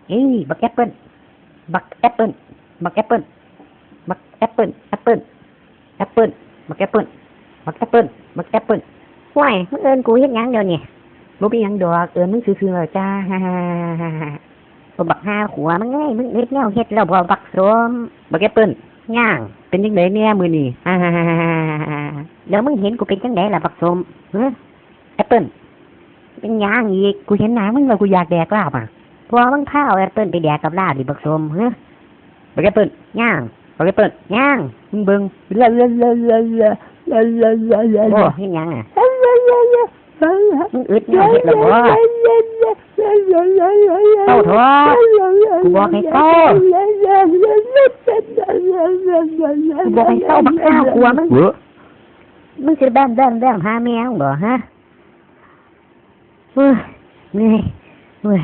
เอ้ยบักแอปเปิ้ลบักแอปเปิ้ลบักแอปเปิ้ลบักแอปเปิ้ลแอปเปิ้ลแอปเปิ้ลบักแอปเปิ้ลบักแอปเปิ้ลบักแอปเปิ้ลว้ายมึงเอิ้นกูเฮ็ดหยังเดี๋ยวนี้บ่มีหยังดอกเอิ้นมึงซื่อๆแล้วจ้าฮ่าบ่บักหาขัวมึงเอ้ยมึงเฮ็ดแนวเฮ็ดแล้วบ่บักสมบักแอปเปิ้ลย่างเป็นจังได๋แน่มื้อนี้ฮ่าเดี๋ยวมึงเห็นกูเป็นจังได๋ล่ะบักสมฮะแอปเปิ้ลเป็นหยังอีกกูเห็นหน้ามึงแล้วกูอยากแดกลาบอ่ะพอมึงพาเอาแอปเปิ้ลไปแดกกับลาบดิบักสมฮะบักแอปเปิ้ลย่างบักแอปเปิ้ลย่างมึงเบิ่งโอ้เฮ็ดหยังอ่ะมึงอึดแนวเฮ็ดแล้วบ่เต้าถอดกูบอกให้เต้ากูบอกให้เต้าบักอ้าวกลัวมึงสิแบ่งหาแมวบ่ฮะเหนื่อยเหนื่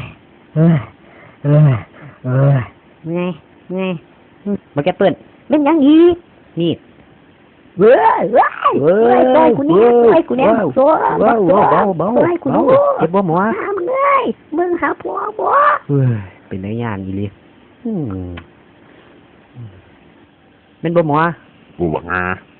อยบักแอปเปิ้ลเป็นหยังอีกนี่เว้ยปล่อยกูเนี่ยโซ่เบาปล่อยกูเจ็บบ่หมอมึงเอ้ยมึงหาผัวบ่เป็นได้ยานอีหลีเป็นบ่หมอกูบอกงา